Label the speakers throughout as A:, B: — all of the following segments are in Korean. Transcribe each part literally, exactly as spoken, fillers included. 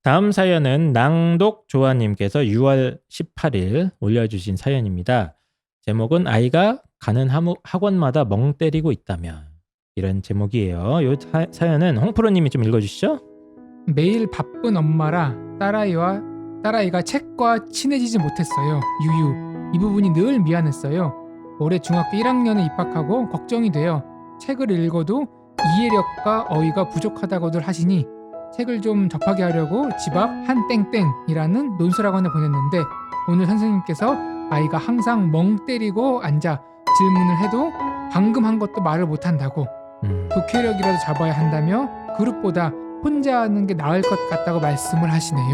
A: 다음 사연은 낭독 조아님께서 유월 십팔일 올려주신 사연입니다. 제목은 아이가 가는 학원마다 멍 때리고 있다면, 이런 제목이에요. 이 사연은 홍프로님이 좀 읽어주시죠.
B: 매일 바쁜 엄마라 딸아이와 딸아이가 책과 친해지지 못했어요. 유유. 이 부분이 늘 미안했어요. 올해 중학교 일 학년에 입학하고 걱정이 돼요. 책을 읽어도 이해력과 어휘가 부족하다고들 하시니 책을 좀 접하게 하려고 집 앞 한 땡땡이라는 논술학원에 보냈는데, 오늘 선생님께서 아이가 항상 멍 때리고 앉아 질문을 해도 방금 한 것도 말을 못한다고,
A: 음.
B: 독해력이라도 잡아야 한다며 그룹보다 혼자 하는 게 나을 것 같다고 말씀을 하시네요.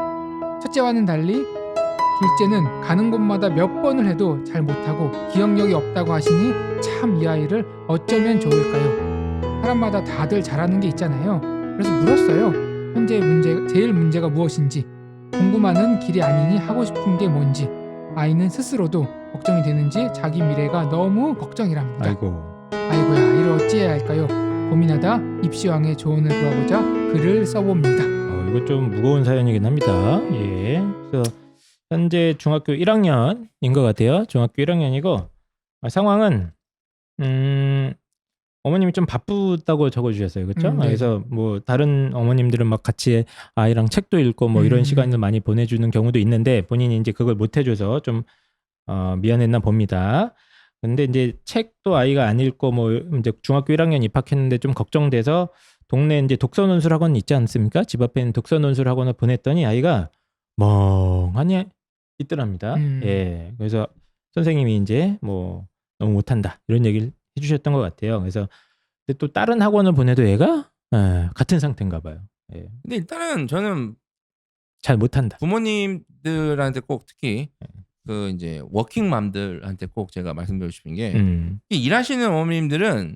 B: 첫째와는 달리 둘째는 가는 곳마다 몇 번을 해도 잘 못하고 기억력이 없다고 하시니 참 이 아이를 어쩌면 좋을까요? 사람마다 다들 잘하는 게 있잖아요. 그래서 물었어요. 현재 문제, 제일 문제가 무엇인지, 공부만은 길이 아니니 하고 싶은 게 뭔지. 아이는 스스로도 걱정이 되는지 자기 미래가 너무 걱정이랍니다.
A: 아이고.
B: 아이고야, 이를 어찌해야 할까요? 고민하다 입시왕의 조언을 구하고자 글을 써봅니다.
A: 어, 이거 좀 무거운 사연이긴 합니다. 예. 그래서 현재 중학교 일 학년인 것 같아요. 중학교 일 학년이고, 아, 상황은 음, 어머님이 좀 바쁘다고 적어주셨어요. 그렇죠?
B: 음, 네.
A: 그래서 뭐 다른 어머님들은 막 같이 아이랑 책도 읽고 뭐 이런
B: 음.
A: 시간을 많이 보내주는 경우도 있는데, 본인이 이제 그걸 못 해줘서 좀 어, 미안했나 봅니다. 근데 이제 책도 아이가 안 읽고 뭐 이제 중학교 일 학년 입학했는데 좀 걱정돼서 동네 이제 독서 논술 학원 있지 않습니까? 집 앞에 있는 독서 논술 학원을 보냈더니 아이가 멍하니 있더랍니다.
B: 음.
A: 예. 그래서 선생님이 이제 뭐 너무 못한다 이런 얘기를 해주셨던 것 같아요. 그래서 근데 또 다른 학원을 보내도 얘가 예, 같은 상태인가 봐요. 예.
C: 근데 일단은 저는
A: 잘 못한다.
C: 부모님들한테 꼭 특히
A: 네.
C: 그 이제 워킹맘들한테 꼭 제가 말씀드리고 싶은 게,
A: 음.
C: 이 일하시는 어머님들은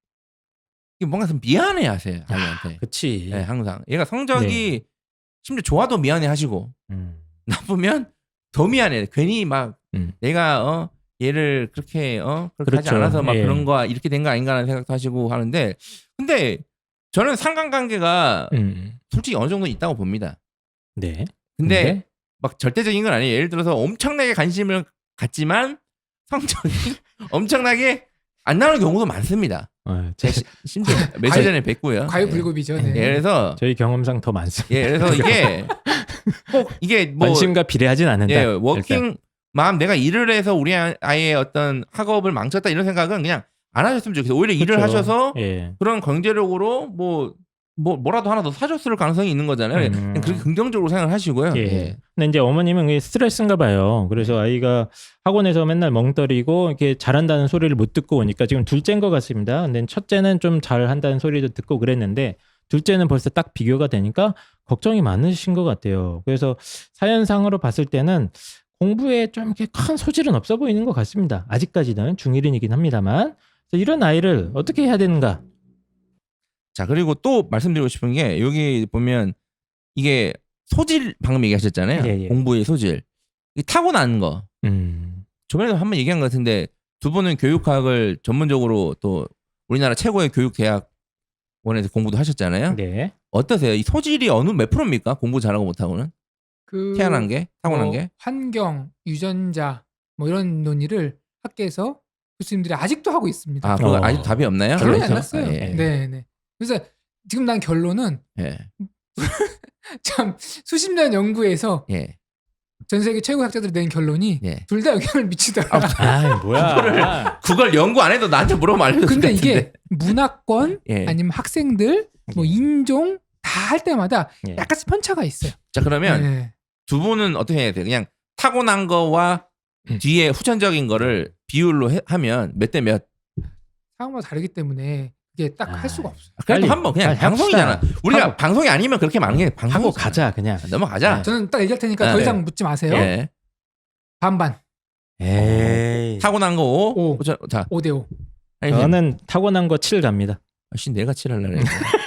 C: 이게 뭔가 좀 미안해하세요 아이한테.
A: 그치.
C: 네, 항상 얘가 성적이 심지어 좋아도 미안해하시고
A: 음.
C: 나쁘면 더 미안해. 괜히 막
A: 음.
C: 내가 어 얘를 그렇게 어 그렇게 하지
A: 그렇죠.
C: 않아서 막
A: 예.
C: 그런 거 이렇게 된 거 아닌가라는 생각도 하시고 하는데, 근데 저는 상관관계가
A: 음.
C: 솔직히 어느 정도 있다고 봅니다.
A: 네.
C: 근데,
A: 근데?
C: 막 절대적인 건 아니에요. 예를 들어서 엄청나게 관심을 갖지만 성적이 엄청나게 안 나오는 경우도 많습니다.
A: 어,
C: 제가 시- 심지어 며칠 전에 뵀고요.
B: 과유불급이죠. 네.
C: 예, 그래서
A: 저희 경험상 더 많습니다.
C: 예, 그래서 이게 꼭 이게 뭐
A: 관심과 비례하진 않는다.
C: 예, 워킹 맘 내가 일을 해서 우리 아이의 어떤 학업을 망쳤다 이런 생각은 그냥 안 하셨으면 좋겠어요. 오히려 일을
A: 그렇죠.
C: 하셔서
A: 예.
C: 그런 경제력으로 뭐, 뭐 뭐라도 하나 더 사줬을 가능성이 있는 거잖아요.
A: 음.
C: 그냥 그렇게 긍정적으로 생각을 하시고요.
A: 예.
C: 예.
A: 근데 이제 어머님은 그게 스트레스인가 봐요. 그래서 아이가 학원에서 맨날 멍때리고 이렇게 잘한다는 소리를 못 듣고 오니까 지금 둘째인 것 같습니다. 근데 첫째는 좀 잘한다는 소리도 듣고 그랬는데 둘째는 벌써 딱 비교가 되니까 걱정이 많으신 것 같아요. 그래서 사연상으로 봤을 때는 공부에 좀 이렇게 큰 소질은 없어 보이는 것 같습니다. 아직까지는 중일이긴 합니다만. 그래서 이런 아이를 어떻게 해야 되는가?
C: 자, 그리고 또 말씀드리고 싶은 게, 여기 보면 이게 소질 방금 얘기하셨잖아요.
A: 예, 예.
C: 공부의 소질. 이게 타고난 거.
A: 음.
C: 저번에도 한번 얘기한 것 같은데, 두 분은 교육학을 전문적으로 또 우리나라 최고의 교육대학원에서 공부도 하셨잖아요.
A: 네.
C: 어떠세요? 이 소질이 어느 몇 프로입니까? 공부 잘하고 못하고는?
B: 그
C: 태어난 게? 타고난
B: 뭐
C: 게?
B: 환경, 유전자 뭐 이런 논의를 학계에서 교수님들이 아직도 하고 있습니다.
C: 아, 그거
A: 어.
C: 아직 답이 없나요?
B: 결론이 안
C: 그래서?
B: 났어요.
C: 아, 예.
B: 네, 네. 그래서 지금 난 결론은
C: 예.
B: 참 수십 년 연구에서
C: 예.
B: 전 세계 최고 학자들이 낸 결론이
C: 예.
B: 둘 다 영향을 미치더라.
A: 아, 뭐야.
C: 그걸 연구 안 해도 나한테 물어보면 알려줄 것
B: 근데
C: 같은데.
B: 이게 문화권
C: 예.
B: 아니면 학생들 뭐 인종 다 할 때마다
A: 예.
B: 약간씩 편차가 있어요.
C: 자, 그러면
B: 네.
C: 두 분은 어떻게 해야 돼요? 그냥 타고난 거와
A: 음.
C: 뒤에 후천적인 거를 비율로 해- 하면 몇 대 몇?
B: 상황마다 다르기 때문에 이게 딱 할
A: 아,
B: 수가 없어요.
C: 그래도
A: 빨리,
C: 한번 그냥
A: 빨리
C: 방송이잖아.
A: 합시다.
C: 우리가
A: 하고-
C: 방송이 아니면 그렇게 많은 게 방송
A: 하고 가자 그냥.
C: 넘어가자.
B: 저는 딱 얘기할 테니까
C: 아,
B: 더
C: 네.
B: 이상 묻지 마세요.
C: 예.
B: 반반
A: 에이.
C: 타고난 거 오.
B: 오.
C: 자, 자
B: 오 대 오.
C: 아니,
A: 저는 타고난 거 칠 갑니다.
C: 아씨 내가 칠할래.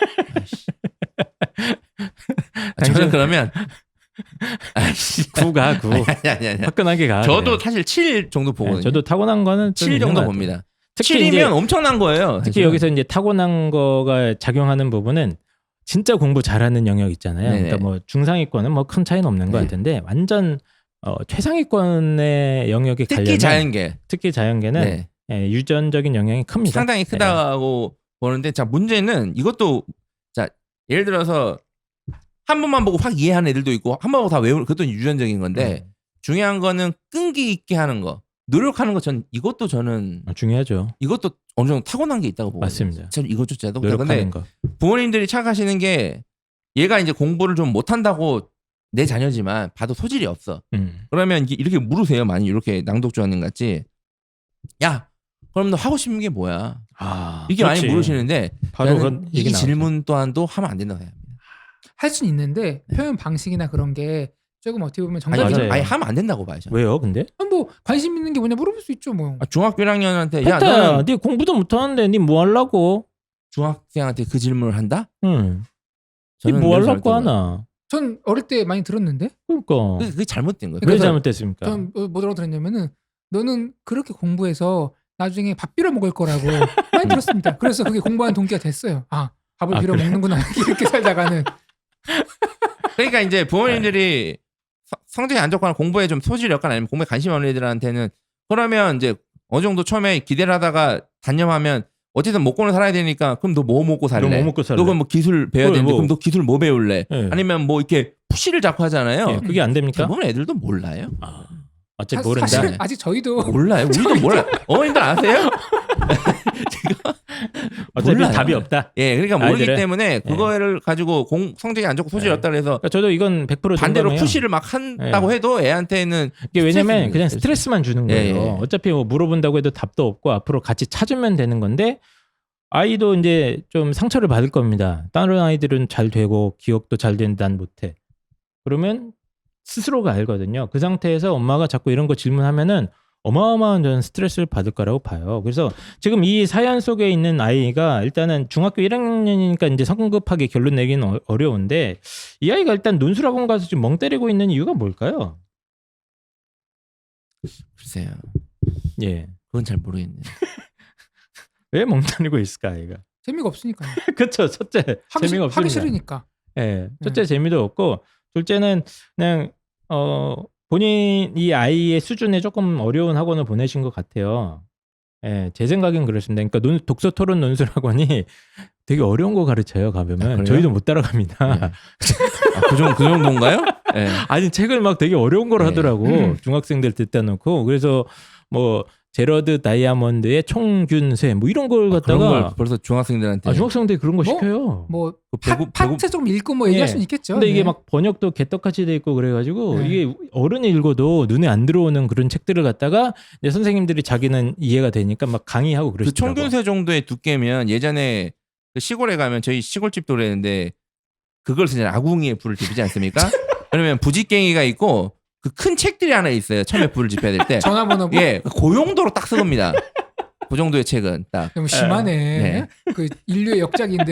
C: 아,
A: 당신-
C: 저는 그러면 아씨
A: 구가 구.
C: 아니 아니 아니.
A: 화끈하게 가.
C: 저도
A: 그래요.
C: 사실 칠 정도
A: 네,
C: 보거든요.
A: 저도 타고난 거는 좀
C: 칠
A: 있는
C: 정도
A: 것 같아요.
C: 봅니다.
A: 특히
C: 칠이면
A: 이제
C: 엄청난 거예요.
A: 특히
C: 사실은.
A: 여기서 이제 타고난 거가 작용하는 부분은 진짜 공부 잘하는 영역 있잖아요.
C: 네네.
A: 그러니까 뭐 중상위권은 뭐 큰 차이는 없는 것
C: 네.
A: 같은데 완전 어, 최상위권의 영역에
C: 특히
A: 가려면
C: 자연계.
A: 특히 자연계는
C: 네.
A: 예, 유전적인 영향이 큽니다.
C: 상당히 크다고 보는데 자 문제는 이것도 자 예를 들어서 한 번만 보고 확 이해하는 애들도 있고 한 번 보고 다 외우는 그것도 유전적인 건데
A: 음.
C: 중요한 거는 끈기 있게 하는 거 노력하는 거 전 이것도 저는
A: 어, 중요하죠.
C: 이것도 어느 정도 타고난 게 있다고 보거든요.
A: 맞습니다.
C: 전 이것조차도
A: 노력하는
C: 근데
A: 거.
C: 부모님들이 착각하시는 게 얘가 이제 공부를 좀 못한다고 내 자녀지만 봐도 소질이 없어.
A: 음.
C: 그러면 이게 이렇게 물으세요. 많이 이렇게 낭독조원님 같이 야 그럼 너 하고 싶은 게 뭐야?
A: 아,
C: 이게 많이
A: 그렇지.
C: 물으시는데
A: 바로
C: 저는
A: 그
C: 이
A: 얘기 나오죠.
C: 질문 또한도 하면 안 된다고 생각합니다.
B: 할 수는 있는데 표현 방식이나 그런 게 조금 어떻게 보면
C: 아니,
B: 정답이
A: 맞아요.
C: 아니 하면 안 된다고 봐요. 저는.
A: 왜요, 근데?
B: 아, 뭐 관심 있는 게 뭐냐 물어볼 수 있죠 뭐.
C: 아, 중학교 일 학년한테 야
A: 야,
C: 너는
A: 네 공부도 못하는데 네 뭐 하려고?
C: 중학생한테 그 질문을 한다?
A: 응.
C: 저는
A: 네뭐
C: 매우
A: 하려고
C: 잘못된 거예요.
A: 하나?
B: 전 어릴 때 많이 들었는데
A: 그러니까
C: 그게, 그게 잘못된 거예요.
A: 왜
C: 그래서
A: 잘못됐습니까?
B: 전 뭐- 뭐라고 들었냐면은 너는 그렇게 공부해서 나중에 밥 빌어 먹을 거라고 많이 들었습니다. 그래서 그게 공부하는 동기가 됐어요. 아 밥을
A: 아,
B: 빌어
A: 그래?
B: 먹는구나 이렇게 살다가는.
C: 그러니까 이제 부모님들이 서- 성적이 안 좋거나 공부에 좀 소질이 없거나 아니면 공부에 관심이 없는 애들한테는 그러면 이제 어느 정도 처음에 기대를 하다가 단념하면 어쨌든 먹고는 살아야 되니까 그럼 너 뭐 먹고 살래?
A: 너 뭐 먹고 살래?
C: 너 그럼 뭐 기술 배워야
A: 그래,
C: 되는데
A: 뭐.
C: 그럼 너 기술 뭐 배울래?
A: 예.
C: 아니면 뭐 이렇게 푸시를 자꾸 하잖아요.
A: 예, 그게 안 됩니까?
C: 대부분 애들도 몰라요.
A: 아, 어차피
B: 사-
A: 모른다.
B: 사실
C: 네.
B: 아직 저희도
C: 몰라요. 우리도 몰라요. 어머님들 아세요?
A: 어차피
C: 몰라요.
A: 답이 없다.
C: 예, 그러니까 모르기
A: 아이들은?
C: 때문에 그거를 가지고 공, 성적이 안 좋고 소질이
A: 예.
C: 없다 그래서
A: 그러니까 저도 이건 백 퍼센트
C: 반대로
A: 동감해요.
C: 푸시를 막 한다고 해도 애한테는
A: 이게 왜냐면
C: 스트레스입니다,
A: 그냥
C: 스트레스.
A: 스트레스만 주는
C: 예,
A: 거예요.
C: 예.
A: 어차피 뭐 물어본다고 해도 답도 없고 앞으로 같이 찾으면 되는 건데 아이도 이제 좀 상처를 받을 겁니다. 다른 아이들은 잘 되고 기억도 잘 되는데 난 못해. 그러면 스스로가 알거든요. 그 상태에서 엄마가 자꾸 이런 거 질문하면은 어마어마한 저는 스트레스를 받을 거라고 봐요. 그래서 지금 이 사연 속에 있는 아이가 일단은 중학교 일 학년이니까 이제 성급하게 결론 내기는 어- 어려운데 이 아이가 일단 논술학원 가서 지금 멍 때리고 있는 이유가 뭘까요?
C: 글쎄요.
A: 예.
C: 그건 잘 모르겠네요.
A: 왜 멍 때리고 있을까 아이가?
B: 재미가 없으니까요.
A: 그렇죠. 첫째
B: 하기,
A: 재미가
B: 싫-
A: 없습니다.
B: 하기 싫으니까.
A: 예, 첫째 재미도 없고 둘째는 그냥 어 본인 이 아이의 수준에 조금 어려운 학원을 보내신 것 같아요. 예, 제 생각엔 그렇습니다. 그러니까 논, 독서 토론 논술 학원이 되게 어려운 거 가르쳐요. 가보면
C: 아, 그래요?
A: 저희도 못 따라갑니다.
C: 예. 아, 그, 정도, 그 정도인가요? 예.
A: 아니 책을 막 되게 어려운 걸
C: 네.
A: 하더라고.
B: 음.
A: 중학생들 듣다 놓고 그래서 뭐 제러드 다이아몬드의 총균세 뭐 이런 걸
C: 아, 그런
A: 갖다가
C: 걸 벌써 중학생들한테
A: 아, 중학생들이 그런 거
B: 뭐?
A: 시켜요.
B: 뭐
C: 그
B: 파,
C: 배구-
B: 파트
C: 배구-
B: 좀 읽고 뭐 얘기할
A: 예.
B: 수는 있겠죠.
A: 근데 이게
B: 네.
A: 막 번역도 개떡같이 돼 있고 그래가지고
B: 네.
A: 이게 어른이 읽어도 눈에 안 들어오는 그런 책들을 갖다가 이제 선생님들이 자기는 이해가 되니까 막 강의하고
C: 그
A: 그러시더라고.
C: 총균세 정도의 두께면 예전에 그 시골에 가면 저희 시골집도 그랬는데 그걸 쓰잖아요. 아궁이에 불을 지피지 않습니까? 그러면 부지깽이가 있고 그 큰 책들이 하나 있어요. 처음에 불을 지펴야 될 때.
B: 전화번호 뭐
C: 예, 그 용도로 딱 쓰겁니다. 그 정도의 책은 딱.
B: 너무 심하네.
C: 네.
B: 그 인류의 역작인데.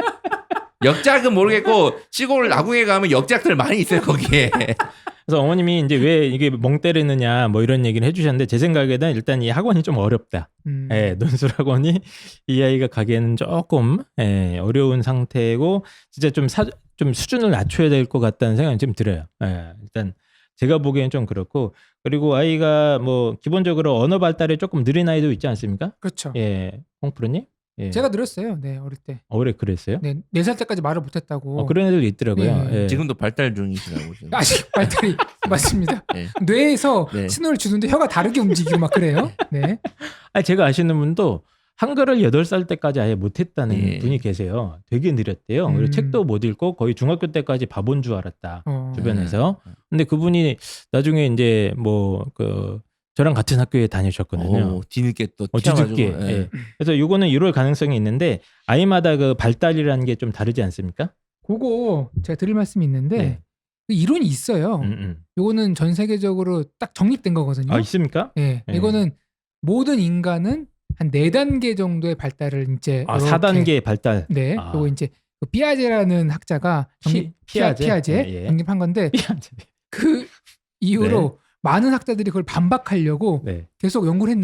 C: 역작은 모르겠고 시골 아궁이에 가면 역작들 많이 있어요 거기에.
A: 그래서 어머님이 이제 왜 이게 멍 때리느냐 뭐 이런 얘기를 해주셨는데 제 생각에는 일단 이 학원이 좀 어렵다.
B: 음.
A: 예, 논술 학원이 이 아이가 가기에는 조금 예, 어려운 상태고 진짜 좀, 사, 좀 수준을 낮춰야 될 것 같다는 생각이 좀 들어요. 예, 일단 제가 보기엔 좀 그렇고 그리고 아이가 뭐 기본적으로 언어 발달이 조금 느린 아이도 있지 않습니까?
B: 그렇죠.
A: 예, 홍프로님? 예.
B: 제가 늘었어요. 네 어릴 때.
A: 어, 그래 그랬어요?
B: 네, 네 살 때까지 말을 못했다고.
A: 어, 그런 애들 있더라고요.
B: 네.
A: 예.
C: 지금도 발달 중이시라고 지금.
B: 아직 발달이 맞습니다.
C: 네.
B: 뇌에서
C: 네.
B: 신호를 주는데 혀가 다르게 움직이고 막 그래요. 네.
A: 아니, 제가 아시는 분도 한글을 여덟 살 때까지 아예 못했다는
C: 예.
A: 분이 계세요. 되게 느렸대요.
B: 음.
A: 그리고 책도 못 읽고 거의 중학교 때까지 바본 줄 알았다.
B: 어.
A: 주변에서.
C: 네.
A: 근데 그분이 나중에 이제 뭐 그 저랑 같은 학교에 다니셨거든요.
C: 오, 뒤늦게 또
A: 어,
C: 튀어가지고.
A: 뒤늦게.
C: 예.
A: 예. 그래서 요거는 이럴 가능성이 있는데 아이마다 그 발달이라는 게 좀 다르지 않습니까?
B: 그거 제가 드릴 말씀이 있는데
A: 네.
B: 그 이론이 있어요.
A: 음, 음.
B: 요거는 전 세계적으로 딱 정립된 거거든요.
A: 아 있습니까?
B: 예.
A: 네.
B: 이거는 모든 인간은 한 네 단계 정도의 발달을 이제
A: 아
B: 이렇게-
A: 사 단계 발달.
B: 네.
A: 아.
B: 요거 이제 그 피아제라는 학자가 정립
A: 피- 피아제?
B: 피아제
A: 예, 예.
B: 정립한 건데 그 이후로 많은 학자들이 그걸 반박하려고
A: 네.
B: 계속 연구를 했는데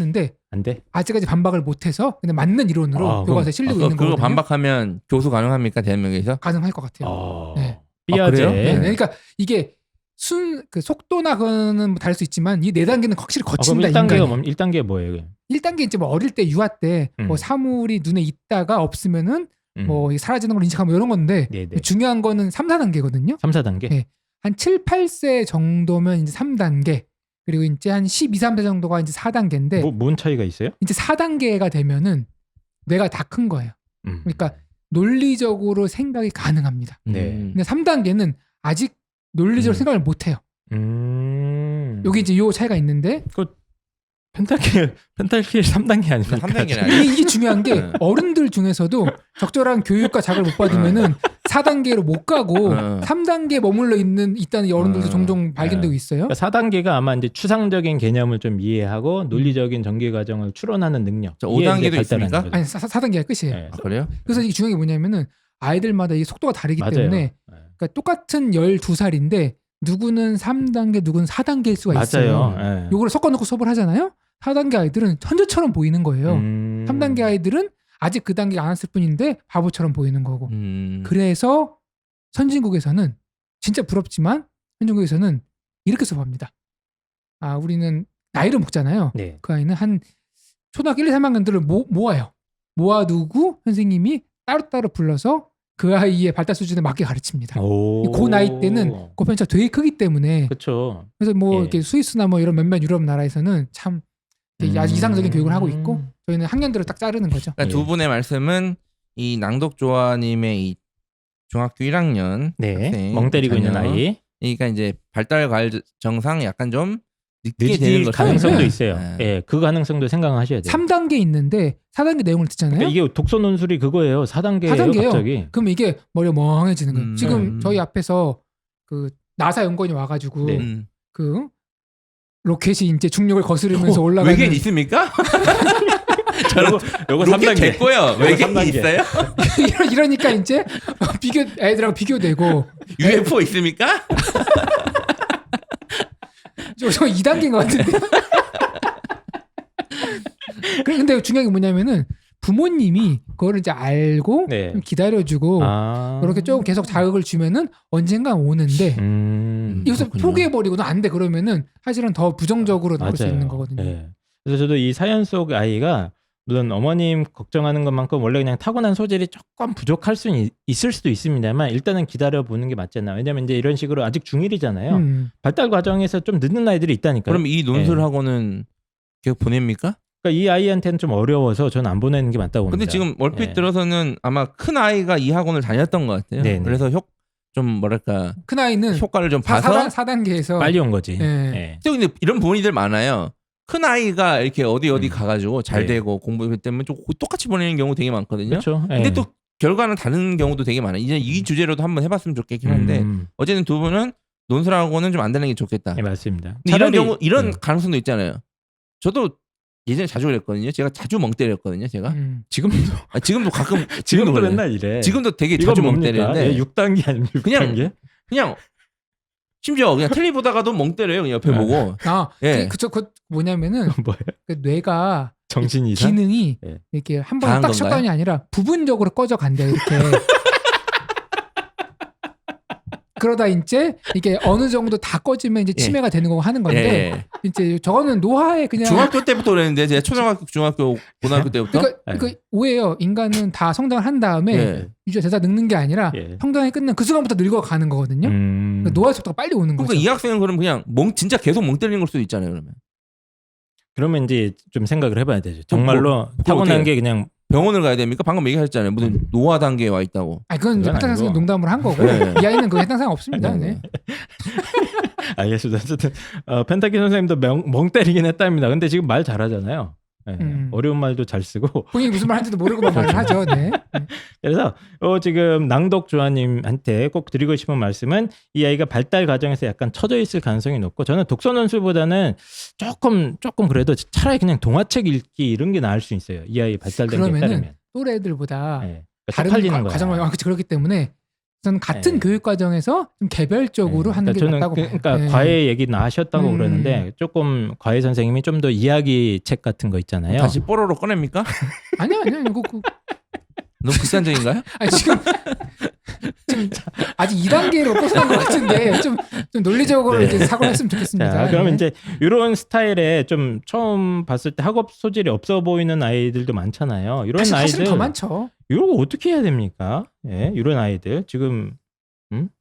A: 안 돼?
B: 아직까지 반박을 못해서 근데 맞는 이론으로
A: 아,
B: 교과서에
C: 아,
B: 실리고
C: 그,
B: 있는
C: 그거
B: 거거든요.
C: 반박하면 교수 가능합니까 대한민국에서?
B: 가능할 것 같아요.
A: 어,
B: 네.
A: 삐아제.
C: 아, 그래요?
B: 네.
C: 네.
B: 그러니까 이게 순 그 속도나 그거는 뭐 다를 수 있지만 이 네 단계는 확실히
A: 아, 그럼
B: 거친다
A: 일 단계가
B: 인간이.
A: 뭐, 일 단계 뭐예요? 그럼?
B: 일 단계 이제 뭐 어릴 때 유아 때 뭐
A: 음.
B: 사물이 눈에 있다가 없으면은
A: 음.
B: 뭐 사라지는 걸 인식하면 이런 건데
A: 네네.
B: 중요한 거는 삼, 사 단계거든요.
A: 삼, 사 단계?
B: 네. 한 칠, 팔 세 정도면 이제 삼 단계 그리고 이제 한 십이, 삼 세 정도가 이제 사 단계인데
A: 뭐, 뭔 차이가 있어요?
B: 이제 사 단계가 되면은 뇌가 다 큰 거예요.
A: 음.
B: 그러니까 논리적으로 생각이 가능합니다.
A: 네.
C: 음.
B: 근데 삼 단계는 아직 논리적으로
A: 음.
B: 생각을 못 해요.
A: 음.
B: 여기 이제 요 차이가 있는데
A: 펜타킬 펜타킬 삼 단계 아닙니까?
C: 삼 단계는
B: 이게,
C: 아니에요.
B: 이게 중요한 게
C: 네.
B: 어른들 중에서도 적절한 교육과 자극을 못 받으면은 사 단계로 못 가고
C: 어.
B: 삼 단계에 머물러 있는 있다는 어른들도
C: 어.
B: 종종 발견되고 있어요.
A: 그러니까 사 단계가 아마 이제 추상적인 개념을 좀 이해하고 논리적인 전개 과정을 추론하는 능력.
C: 저
A: 이게
C: 오 단계도
A: 이제 발달하는
C: 있습니까?
A: 거죠.
B: 아니 사 단계가 끝이에요.
A: 네.
C: 아, 그래요?
B: 그래서 이게 중요한 게 뭐냐면은 아이들마다 이게 속도가 다르기
A: 맞아요.
B: 때문에
A: 네.
B: 그러니까 똑같은 열두 살인데 누구는 삼 단계 누구는 사 단계일 수가 있어요.
A: 맞아요. 네.
B: 요거를 섞어놓고 수업을 하잖아요. 사 단계 아이들은 천재처럼 보이는 거예요.
A: 음.
B: 삼 단계 아이들은 아직 그 단계 안 왔을 뿐인데 바보처럼 보이는 거고.
C: 음.
B: 그래서 선진국에서는 진짜 부럽지만 선진국에서는 이렇게 수업합니다. 아 우리는 나이를 먹잖아요.
A: 네.
B: 그 아이는 한 초등학교 일, 이, 삼 학년들을 모, 모아요. 모아두고 선생님이 따로따로 불러서 그 아이의 발달 수준에 맞게 가르칩니다.
A: 오.
B: 그 나이 때는 그 편차가 되게 크기 때문에
A: 그렇죠.
B: 그래서 뭐
A: 예.
B: 이렇게 스위스나 뭐 이런 몇몇 유럽 나라에서는 참 되게 아주
A: 음.
B: 이상적인 교육을 하고 있고 저희는 학년들을 딱 자르는 거죠.
C: 그러니까
A: 예.
C: 두 분의 말씀은 이 낭독조아님의 이 중학교 일 학년
A: 네.
C: 학생,
A: 멍 때리고 있는
C: 자녀.
A: 아이.
C: 그러니까 이제 발달 과정상 약간 좀 늦게 되는
A: 늦을
C: 거죠.
A: 가능성도
B: 네.
A: 있어요.
C: 네.
A: 예, 그 가능성도 생각하셔야 돼요.
B: 삼 단계 있는데 사 단계 내용을 듣잖아요.
A: 그러니까 이게 독서 논술이 그거예요. 사 단계예요.
B: 사 단계예요.
A: 갑자기.
B: 그럼 이게 머리가 멍해지는 거예요.
C: 음.
B: 지금
C: 음.
B: 저희 앞에서 그 나사 연구원이 와가지고
A: 네.
C: 음.
B: 그 로켓이 이제 중력을 거스르면서
C: 어,
B: 올라가는
C: 외계인 있습니까? 저는
A: 요거
C: 로켓
A: 삼 단계.
C: 됐고요. 외계인
A: 삼 단계.
C: 있어요?
B: 이러- 이러니까 이제 비교 애들하고 비교되고
C: 유에프오 있습니까?
B: 저, 저 이 단계인 것 같은데. 그래, 근데 중요한 게 뭐냐면은 부모님이 그거를 이제 알고
A: 네.
B: 좀 기다려주고
A: 아.
B: 그렇게 조금 계속 자극을 주면은 언젠가 오는데
A: 음.
B: 여기서
C: 그렇군요.
B: 포기해버리고는 안 돼 그러면은 사실은 더 부정적으로 나올 수
A: 맞아요.
B: 있는 거거든요.
A: 예. 그래서 저도 이 사연 속 아이가 물론 어머님 걱정하는 것만큼 원래 그냥 타고난 소질이 조금 부족할 수는 있- 있을 수도 있습니다만 일단은 기다려 보는 게 맞지 않나. 왜냐면 이제 이런 식으로 아직 중일이잖아요.
B: 음.
A: 발달 과정에서 좀 늦는 아이들이 있다니까요.
C: 그럼 이 논술하고는 계속 보냅니까?
A: 그러니까 이 아이한테는 좀 어려워서 저는 안 보내는 게 맞다고 봅니다.
C: 근데 지금 얼핏
A: 예.
C: 들어서는 아마 큰 아이가 이 학원을 다녔던 것 같아요.
A: 네네.
C: 그래서 효, 좀 뭐랄까
B: 큰 아이는
C: 효과를 좀
B: 사,
C: 봐서.
B: 사 단계에서
A: 빨리 온 거지.
B: 예.
A: 예.
C: 근데 이런 부모님들 많아요. 큰 아이가 이렇게 어디 어디
A: 음.
C: 가가지고 잘
A: 네.
C: 되고 공부 때문에 좀 똑같이 보내는 경우 되게 많거든요.
A: 그렇죠. 예.
C: 근데 또 결과는 다른 경우도 되게 많아요. 이제 이 주제로도 한번 해봤으면 좋겠긴 한데
A: 음,
C: 어쨌든 두 분은 논술하고는 좀 안 되는 게 좋겠다.
A: 예, 맞습니다.
C: 근데 이런
A: 차라리-
C: 경우 이런
A: 음.
C: 가능성도 있잖아요. 저도 예전에 자주 그랬거든요. 제가 자주 멍 때렸거든요. 제가
B: 음.
A: 지금도
C: 아, 지금도 가끔
A: 지금도
C: 지금도 그래요.
A: 맨날 이래.
C: 지금도 되게
A: 이건
C: 자주 멍
A: 뭡니까?
C: 때리는데
A: 예, 육 단계 아니면 육
C: 그냥
A: 단계?
C: 그냥 심지어 그냥 텔레비 보다가도 멍 때려요. 그냥 옆에
A: 아.
C: 보고.
B: 아,
C: 예.
B: 그, 그저 그 뭐냐면은
A: 뭐예요?
B: 그 뇌가
A: 정신 이상?
B: 기능이
A: 예.
B: 이렇게 한 번에
C: 다한
B: 딱
C: 건가요?
B: 셧다운이 아니라 부분적으로 꺼져 간대요. 이렇게. 그러다 이제 이게 어느 정도 다 꺼지면 이제
C: 예.
B: 치매가 되는 거고 하는 건데
C: 예.
B: 이제 저거는 노화에 그냥
C: 중학교 때부터 그랬는데 제가 초등학교, 중학교, 고등학교 때부터
B: 그러니까
A: 예.
B: 그 오해예요. 인간은 다 성장을 한 다음에
C: 예.
B: 유지가 되다 늙는 게 아니라
A: 예.
B: 성장이 끝난 그 순간부터 늙어가는 거거든요.
A: 음.
B: 그러니까 노화 속도가 빨리 오는 거죠.
C: 그러니까 이 학생은 그럼 그냥 멍 진짜 계속 멍 때리는 걸 수도 있잖아요. 그러면
A: 그러면 이제 좀 생각을 해봐야 되죠. 정말로
C: 그럼
A: 타고난
C: 어떻게
A: 게 그냥
C: 병원을 가야 됩니까? 방금 얘기하셨잖아요. 무슨 노화 단계에 와 있다고.
B: 아 그건 이제
A: 그건
B: 파탄 선생님
A: 아니고.
B: 농담으로 한 거고
C: 네.
B: 이 아이는 그 해당 사항 없습니다.
C: 네.
B: 네.
A: 알겠습니다. 어쨌든 어, 펜타키 선생님도 명, 멍 때리긴 했답니다. 근데 지금 말 잘하잖아요. 예,
B: 음.
A: 어려운 말도 잘 쓰고
B: 본인이 무슨 말 하는지도 모르고만 말을 하죠. 네.
A: 그래서 어, 지금 낭독 조아님한테 꼭 드리고 싶은 말씀은 이 아이가 발달 과정에서 약간 처져 있을 가능성이 높고 저는 독서 논술보다는 조금 조금 그래도 차라리 그냥 동화책 읽기 이런 게 나을 수 있어요. 이 아이 발달 단계에
B: 그러면은
A: 따르면.
B: 또래 애들보다
A: 예. 그러니까
B: 다른
A: 쪽팔리는
B: 과-
A: 거야.
B: 과정을 아, 그치, 그렇기 때문에 저는 같은
A: 네.
B: 교육 과정에서 좀 개별적으로
A: 네.
B: 하는
A: 그러니까
B: 게
A: 저는
B: 맞다고
A: 그,
B: 봐요.
A: 그러니까
B: 네.
A: 과외 얘기는 하셨다고
B: 음.
A: 그러는데 조금 과외 선생님이 좀 더 이야기 책 같은 거 있잖아요.
C: 다시 뽀로로 꺼냅니까?
B: 아니요, 아니요, 이거 그,
C: 너무 극단적인가요?
B: 아니, 지금 지금 아직 이 단계로 벗어난 것 같은데 좀, 좀 논리적으로
A: 네.
B: 이제 사고를 했으면 좋겠습니다.
A: 자, 그러면
B: 네.
A: 이제 이런 스타일의 좀 처음 봤을 때 학업 소질이 없어 보이는 아이들도 많잖아요. 이런
B: 사실,
A: 아이들
B: 사실은 더 많죠.
A: 이런 거 어떻게 해야 됩니까? 예, 이런 아이들 지금 음?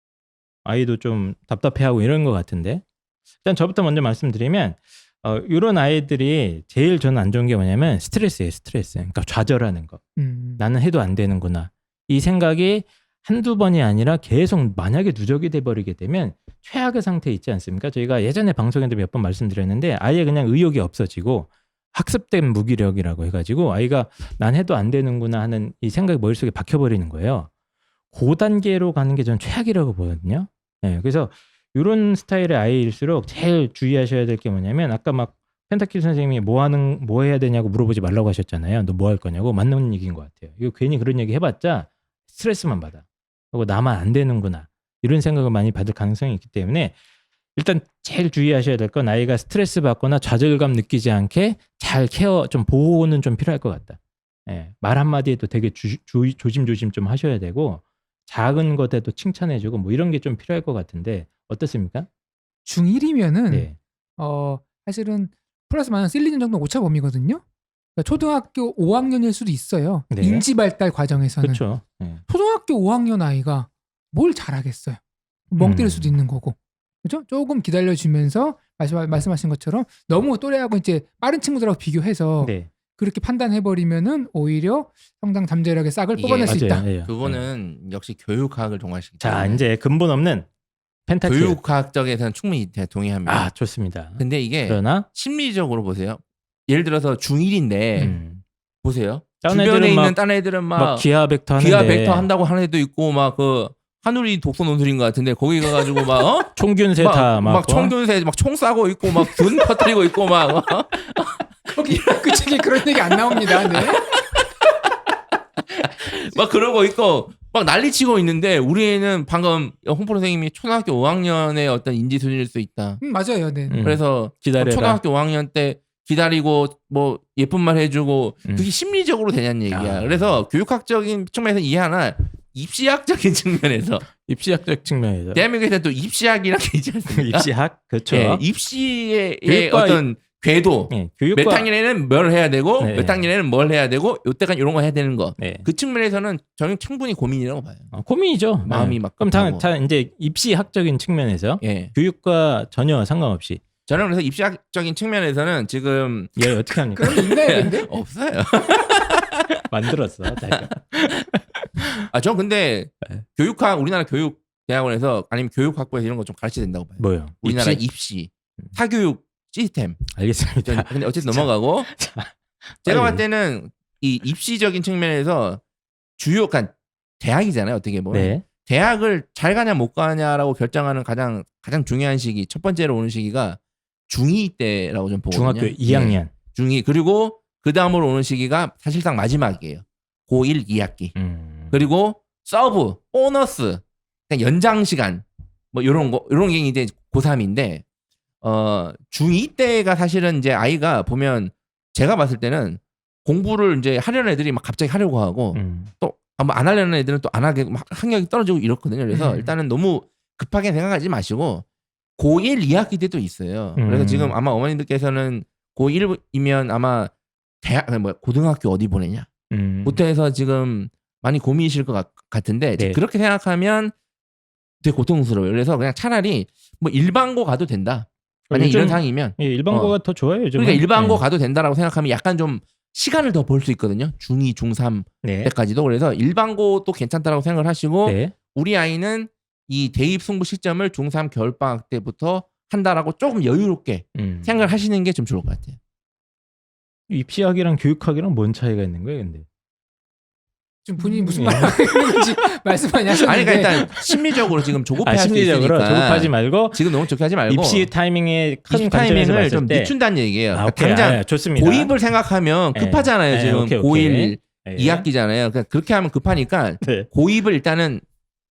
A: 아이도 좀 답답해하고 이런 것 같은데 일단 저부터 먼저 말씀드리면 어, 이런 아이들이 제일 저는 안 좋은 게 뭐냐면 스트레스예요, 스트레스. 그러니까 좌절하는 거.
B: 음.
A: 나는 해도 안 되는구나. 이 생각이 한두 번이 아니라 계속 만약에 누적이 돼버리게 되면 최악의 상태에 있지 않습니까? 저희가 예전에 방송에도 몇 번 말씀드렸는데 아예 그냥 의욕이 없어지고 학습된 무기력이라고 해가지고 아이가 난 해도 안 되는구나 하는 이 생각이 머릿속에 박혀버리는 거예요. 그 단계로 가는 게 저는 최악이라고 보거든요. 네, 그래서 이런 스타일의 아이일수록 제일 주의하셔야 될 게 뭐냐면 아까 막 펜타킬 선생님이 뭐 하는 뭐 해야 되냐고 물어보지 말라고 하셨잖아요. 너 뭐 할 거냐고. 맞는 얘기인 것 같아요. 이거 괜히 그런 얘기 해봤자 스트레스만 받아. 그리고 나만 안 되는구나. 이런 생각을 많이 받을 가능성이 있기 때문에 일단 제일 주의하셔야 될 건 아이가 스트레스 받거나 좌절감 느끼지 않게 잘 케어, 좀 보호는 좀 필요할 것 같다. 예, 말 한마디에도 되게 주, 주, 조심조심 좀 하셔야 되고 작은 것에도 칭찬해주고 뭐 이런 게 좀 필요할 것 같은데 어떻습니까?
B: 중일이면은
A: 네.
B: 어 사실은 플러스 마이너스 일, 이 년 정도 오차 범위거든요. 그러니까 초등학교 오 학년일 수도 있어요.
A: 네.
B: 인지 발달 과정에서는.
A: 그렇죠. 예.
B: 초등학교 오 학년 아이가 뭘 잘하겠어요. 멍 때릴
A: 음.
B: 수도 있는 거고. 그렇죠? 조금 기다려주면서 말씀, 말씀하신 것처럼 너무 또래하고 이제 빠른 친구들하고 비교해서
A: 네.
B: 그렇게 판단해버리면은 오히려 성장 잠재력의 싹을
C: 이게
B: 뽑아낼 수 있다.
A: 맞아요. 예.
C: 그거는 역시 교육학을 동화시키기
A: 자
C: 때문에
A: 이제 근본 없는 펜타킬.
C: 교육학적에서는 충분히 제가 동의합니다.
A: 아 좋습니다.
C: 근데 이게
A: 그러나
C: 심리적으로 보세요. 예를 들어서 중일인데
A: 음.
C: 보세요.
A: 딴
C: 주변에
A: 애들은
C: 있는
A: 막-
C: 딴 애들은 막,
A: 막 기하 벡터 하는데
C: 기하 벡터 한다고 하는 애도 있고 막 그 하늘이 독서 논술인 것 같은데 거기 가가지고 막 어?
A: 총균세
C: 막,
A: 다막
C: 막 총균세 막 총 쏴고 있고 막 돈 퍼뜨리고 있고 막 어?
B: 거기 그 책에 그런 얘기 안 나옵니다. 네.
C: 막 그러고 있고 막 난리치고 있는데 우리 애는 방금 홍프로 선생님이 초등학교 오 학년의 어떤 인지 수준일 수 있다.
B: 음, 맞아요. 네.
A: 음.
C: 그래서
A: 기다려라.
C: 초등학교 오 학년 때 기다리고 뭐 예쁜 말 해주고
A: 음.
C: 그게 심리적으로 되냐는 얘기야.
A: 아.
C: 그래서 교육학적인 측면에서 이해하나 입시학적인 측면에서
A: 입시학적 측면에서
C: 대한민국에서 또 입시학이라는 게 있지 않습니까?
A: 입시학 그렇죠.
C: 예, 입시의
A: 교육과
C: 어떤 궤도
A: 예,
C: 몇
A: 교육과
C: 학년에는 뭘 해야 되고
A: 네.
C: 몇 학년에는 뭘 해야 되고 요때까지 이런 거 해야 되는 거.
A: 네.
C: 그 측면에서는 저는 충분히 고민이라고 봐요.
A: 어, 고민이죠.
C: 마음이
A: 네.
C: 막
A: 그럼 다,
C: 급하고.
A: 다 이제 입시학적인 측면에서
C: 예.
A: 교육과 전혀 상관없이
C: 저는 그래서 입시학적인 측면에서는 지금
A: 얘 어떻게 합니까?
B: 그런 게 있나요, 근데?
C: 없어요.
A: 만들었어. 자기가.
C: 아, 전 근데
A: 네.
C: 교육학 우리나라 교육 대학원에서 아니면 교육학부에서 이런 거 좀 가르쳐야 된다고 봐요.
A: 뭐요?
C: 우리나라
A: 입시?
C: 입시, 사교육 시스템.
A: 알겠습니다.
C: 근데 어쨌든 넘어가고
A: 자,
C: 제가
A: 빨리.
C: 봤을 때는 이 입시적인 측면에서 주요, 그러니까 대학이잖아요. 어떻게 보면
A: 네.
C: 대학을 잘 가냐 못 가냐라고 결정하는 가장 가장 중요한 시기, 첫 번째로 오는 시기가 중이 때라고 좀 보거든요.
A: 중학교 이 학년.
C: 예, 중이. 그리고 그 다음으로 오는 시기가 사실상 마지막이에요. 고일 이 학기.
A: 음.
C: 그리고 서브, 보너스, 그냥 연장 시간 뭐 이런 거 이런 게 이제 고삼인데 어 중이 때가 사실은 이제 아이가 보면 제가 봤을 때는 공부를 이제 하려는 애들이 막 갑자기 하려고 하고
A: 음.
C: 또 안 하려는 애들은 또 안 하게 막 학력이 떨어지고 이렇거든요. 그래서
B: 음.
C: 일단은 너무 급하게 생각하지 마시고 고일 이 학기 때도 있어요. 그래서
A: 음.
C: 지금 아마 어머님들께서는 고일이면 아마 대학 뭐 고등학교 어디 보내냐
A: 음.
C: 부터 해서 지금 많이 고민이실 것 같, 같은데
A: 네.
C: 그렇게 생각하면 되게 고통스러워요. 그래서 그냥 차라리 뭐 일반고 가도 된다. 만약
A: 요즘-
C: 이런 상황이면
A: 예, 일반고가 더 좋아요. 요즘.
C: 그러니까 일반고 가도 된다라고 생각하면 약간 좀 시간을 더 벌 수 있거든요. 중이, 중삼
A: 네.
C: 때까지도. 그래서 일반고도 괜찮다라고 생각을 하시고
A: 네.
C: 우리 아이는 이 대입 승부 시점을 중삼 겨울방학 때부터 한다라고 조금 여유롭게
A: 음.
C: 생각을 하시는 게 좀 좋을 것 같아요.
A: 입시학이랑 교육학이랑 뭔 차이가 있는 거예요, 근데?
B: 지금 본인이 무슨
A: 예.
B: 말 하는 건지 말씀 많이 하셨는데.
C: 아니 그러니까 일단 심리적으로 지금 조급해
A: 아,
C: 할 수
A: 심리적으로
C: 있으니까
A: 조급하지 말고
C: 지금 너무 조급하지 말고
A: 입시 타이밍에 큰
C: 입시
A: 관점에서
C: 타이밍을
A: 봤을
C: 좀
A: 때
C: 늦춘다는 얘기예요.
A: 아,
C: 그러니까
A: 오케이.
C: 당장
A: 아, 좋습니다.
C: 고입을 생각하면
A: 예.
C: 급하잖아요.
A: 예,
C: 지금
A: 오케이, 오케이.
C: 고일
A: 예.
C: 이 학기잖아요. 그러니까 그렇게 하면 급하니까
A: 네.
C: 고입을 일단은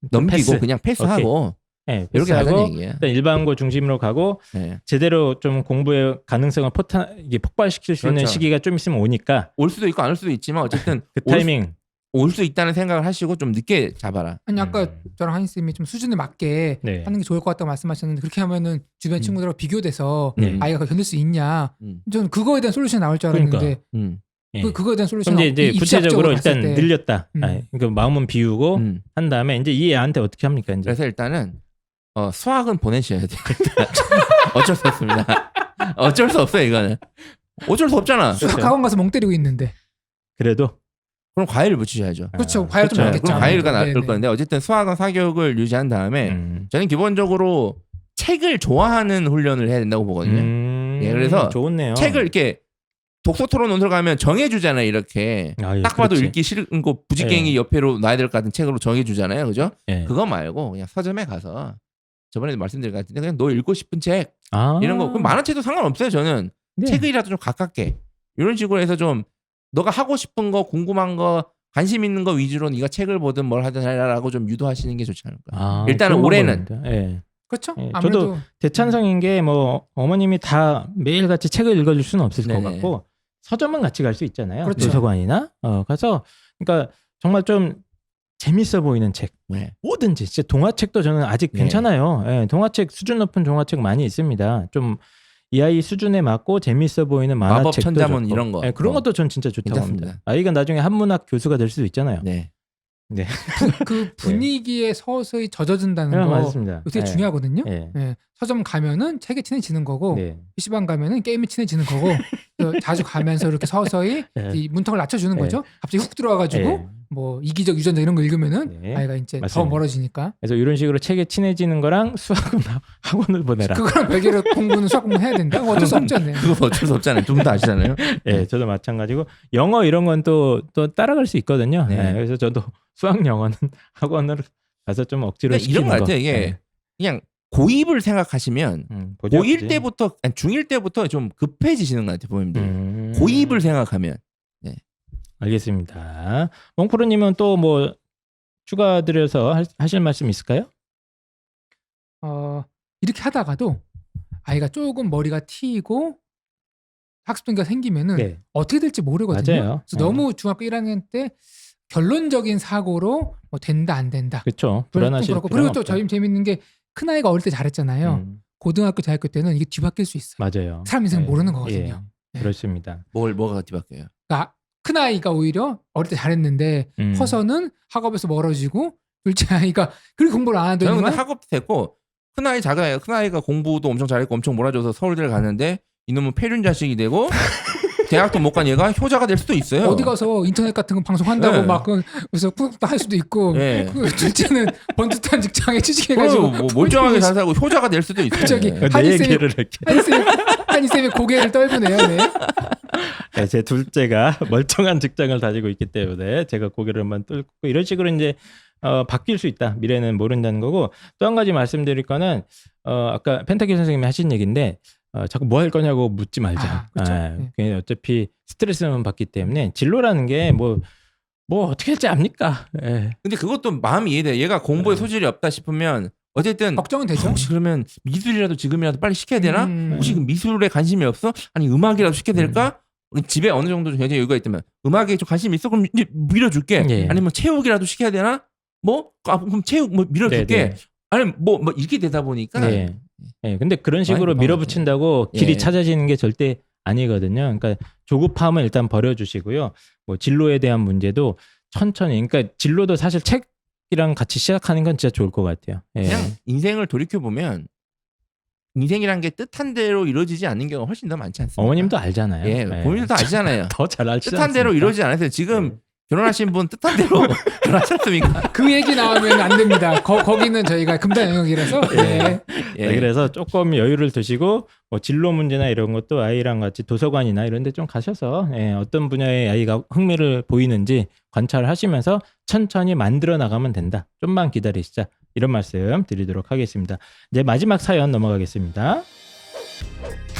C: 넘기고
A: 패스.
C: 그냥 패스하고
A: 네,
C: 이렇게 하자는
A: 패스하고
C: 얘기예요.
A: 일단 일반고 중심으로 가고
C: 네.
A: 제대로 좀 공부의 가능성을 포탄 이게 폭발시킬 수 있는
C: 그렇죠.
A: 시기가 좀 있으면 오니까
C: 올 수도 있고 안 올 수도 있지만 어쨌든
A: 그 타이밍.
C: 올 수 있다는 생각을 하시고 좀 늦게 잡아라.
B: 아니 아까
A: 음.
B: 저랑 한희 쌤이 좀 수준에 맞게
A: 네.
B: 하는 게 좋을 것 같다고 말씀하셨는데 그렇게 하면은 주변
A: 음.
B: 친구들하고 비교돼서
A: 네.
B: 아이가 견딜 수 있냐?
C: 음.
B: 저는 그거에 대한 솔루션이 나올 줄 알았는데
A: 그러니까.
C: 음.
A: 예.
B: 그 그거에 대한 솔루션
A: 그럼 이제, 이제 구체적으로 일단
B: 때.
A: 늘렸다.
B: 음.
A: 아, 그러니까 마음은 비우고
C: 음.
A: 한 다음에 이제 이 애한테 어떻게 합니까? 이제
C: 그래서 일단은 어, 수학은 보내셔야 돼요. 어쩔 수 없습니다. 어쩔 수 없어요 이거는. 어쩔 수 없잖아.
B: 수학
A: 그렇죠.
B: 학원 가서 멍 때리고 있는데
A: 그래도
C: 그럼 과외를 붙이셔야죠.
B: 그렇죠.
A: 아,
B: 과외도
A: 그렇죠.
B: 많겠죠.
C: 그럼 과외가 나을
B: 네네.
C: 건데 어쨌든 수학은 사교육을 유지한 다음에
A: 음.
C: 저는 기본적으로 책을 좋아하는 훈련을 해야 된다고 보거든요.
A: 음.
C: 예, 그래서
A: 좋네요.
C: 책을 이렇게 독서 토론 논술 가면 정해주잖아요. 이렇게
A: 아, 예,
C: 딱 봐도
A: 그렇지.
C: 읽기 싫은 거 부지깽이
A: 예.
C: 옆에로 놔야 될 것 같은 책으로 정해주잖아요. 그죠?
A: 예.
C: 그거 말고 그냥 서점에 가서 저번에도 말씀드린 것 같은데 그냥 너 읽고 싶은 책
A: 아.
C: 이런 거 그럼 만화책도 상관없어요. 저는
A: 네.
C: 책이라도 좀 가깝게 이런 식으로 해서 좀 너가 하고 싶은 거 궁금한 거 관심 있는 거 위주로 네가 책을 보든 뭘 하든 해라라고 좀 유도하시는 게 좋지 않을까.
A: 아,
C: 일단은
A: 좋은
C: 올해는.
A: 방법입니다. 예.
B: 그렇죠.
A: 예,
B: 아무래도
A: 저도 대찬성인 게 뭐 어머님이 다 매일 같이 책을 읽어줄 수는 없을 것
C: 네네.
A: 같고 서점은 같이 갈 수 있잖아요.
B: 그렇죠.
A: 도서관이나 어 가서 그러니까 정말 좀 재밌어 보이는 책
C: 네.
A: 뭐든지 진짜 동화책도 저는 아직
C: 네.
A: 괜찮아요. 예, 동화책 수준 높은 동화책 많이 있습니다. 좀 이 아이 수준에 맞고 재밌어 보이는
C: 마법
A: 만화책도
C: 천자문
A: 좋고.
C: 이런 거.
A: 예, 그런
C: 어.
A: 것도 전 진짜 좋다고
C: 괜찮습니다.
A: 합니다. 아이가 나중에 한문학 교수가 될 수도 있잖아요.
C: 네.
B: 그 분위기에 서서히 젖어든다는
A: 네,
B: 거
A: 맞습니다.
B: 되게
A: 예.
B: 중요하거든요.
A: 예.
B: 예. 서점 가면은 책에 친해지는 거고
A: 네.
B: 피시방 가면은 게임에 친해지는 거고 또 자주 가면서 이렇게 서서히
A: 네.
B: 이 문턱을 낮춰주는
A: 네.
B: 거죠. 갑자기 훅 들어와가지고
A: 예.
B: 뭐 이기적 유전자 이런 거 읽으면은
A: 네.
B: 아이가 이제 더
A: 맞습니다.
B: 멀어지니까
A: 그래서 이런 식으로 책에 친해지는 거랑 수학은 학원을 보내라.
B: 그거랑 별개로 공부는 수학 공부 해야 된다. 어쩔 수 없죠. 네.
C: 그거 어쩔 수 없잖아요. 두 분 다 아시잖아요.
A: 예, 저도 마찬가지고 영어 이런 건 또 또 따라갈 수 있거든요.
C: 네.
A: 예, 그래서 저도 수학 영어는 학원을 가서 좀 억지로
C: 그러니까
A: 시키는
C: 이런 거 같아요.
A: 거.
C: 이게
A: 예.
C: 그냥 고입을 생각하시면
A: 음, 보죠,
C: 고일
A: 보지.
C: 때부터 아니 중일 때부터 좀 급해지시는 것 같아요. 부모님들.
A: 음,
C: 고입을 생각하면
A: 알겠습니다. 몽프로님은 또 뭐 추가 드려서 할- 하실 말씀 있을까요?
B: 어, 이렇게 하다가도 아이가 조금 머리가 튀고 학습 동기가 생기면은
A: 네,
B: 어떻게 될지 모르거든요.
A: 맞아요.
B: 그래서
A: 어.
B: 너무 중학교 일 학년 때 결론적인 사고로 뭐 된다 안 된다.
A: 그렇죠.
B: 좀
A: 불안하실
B: 그렇고
A: 필요는
B: 그리고 또
A: 없죠.
B: 저희 재밌는 게 큰 아이가 어릴 때 잘했잖아요.
A: 음,
B: 고등학교 대학교 때는 이게 뒤바뀔 수 있어요.
A: 맞아요.
B: 사람 인생
A: 예,
B: 모르는 거거든요.
A: 예,
B: 네.
A: 그렇습니다.
C: 뭘 뭐가 뒤바뀌어요.
B: 그러니까 큰 아이가 오히려 어릴 때 잘했는데
A: 음.
B: 커서는 학업에서 멀어지고 둘째 아이가 그렇게 공부를 안
C: 저는 근데
B: 하더니만
C: 학업도 됐고 큰 아이 작은 아이 큰 아이가 공부도 엄청 잘했고 엄청 몰아줘서 서울대를 갔는데 이놈은 폐륜 자식이 되고 대학도 못 간 얘가 효자가 될 수도 있어요.
B: 어디 가서 인터넷 같은 거 방송한다고
C: 네.
B: 막 그- 그래서 구독도 할 수도 있고
C: 네.
B: 그 둘째는 번듯한 직장에 취직해가지고
C: 그럼 뭐 멀쩡하게 잘 살고 효자가 될 수도 있어요.
B: 갑자기
C: 네.
B: 한이
A: 내
B: 쌤이-
A: 얘기를 이렇게.
B: 한이쌤 한이쌤이 고개를 떨구네요. 네.
A: 네, 제 둘째가 멀쩡한 직장을 다니고 있기 때문에 제가 고개를 한번 뚫고 이런 식으로 이제 어, 바뀔 수 있다. 미래는 모른다는 거고 또 한 가지 말씀드릴 거는 어, 아까 펜타키 선생님이 하신 얘기인데 어, 자꾸 뭐 할 거냐고 묻지 말자.
B: 아, 그렇죠.
A: 아,
B: 네.
A: 그게 어차피 스트레스만 받기 때문에 진로라는 게 뭐 뭐 어떻게 할지 압니까? 예.
C: 근데 그것도 마음이 이해돼. 얘가 공부에
A: 네.
C: 소질이 없다 싶으면 어쨌든
B: 걱정은 되죠.
C: 혹시 그러면 미술이라도 지금이라도 빨리 시켜야 되나?
B: 음.
C: 혹시 그 미술에 관심이 없어? 아니 음악이라도 시켜야 될까? 집에 어느 정도 굉장히 여유가 있다면 음악에 좀 관심 있어? 그럼 이제 밀어줄게.
A: 예.
C: 아니면 체육이라도 시켜야 되나? 뭐? 아, 그럼 체육 뭐 밀어줄게.
A: 네, 네.
C: 아니 뭐, 뭐 이렇게 되다 보니까
A: 네. 예, 근데 그런 식으로
C: 많이
A: 밀어붙인다고 길이
C: 예.
A: 찾아지는 게 절대 아니거든요. 그러니까 조급함은 일단 버려주시고요. 뭐 진로에 대한 문제도 천천히. 그러니까 진로도 사실 책이랑 같이 시작하는 건 진짜 좋을 것 같아요. 예.
C: 그냥 인생을 돌이켜 보면 인생이란 게 뜻한 대로 이루어지지 않는 경우가 훨씬 더 많지 않습니까?
A: 어머님도 알잖아요.
C: 예, 본인도 아시잖아요.
A: 더 잘 알지
C: 뜻한 대로
A: 않습니까?
C: 이루어지지 않았어요. 지금
A: 네.
C: 결혼하신 분 뜻한 대로 결혼하셨습니까?
B: 그 얘기 나오면 안 됩니다. 거, 거기는 저희가 금단 영역이라서. 네.
C: 예.
A: 네, 그래서 조금 여유를 두시고 뭐 진로 문제나 이런 것도 아이랑 같이 도서관이나 이런 데 좀 가셔서 예, 어떤 분야의 아이가 흥미를 보이는지 관찰하시면서 천천히 만들어 나가면 된다. 좀만 기다리시자. 이런 말씀 드리도록 하겠습니다. 이제 마지막 사연 넘어가겠습니다.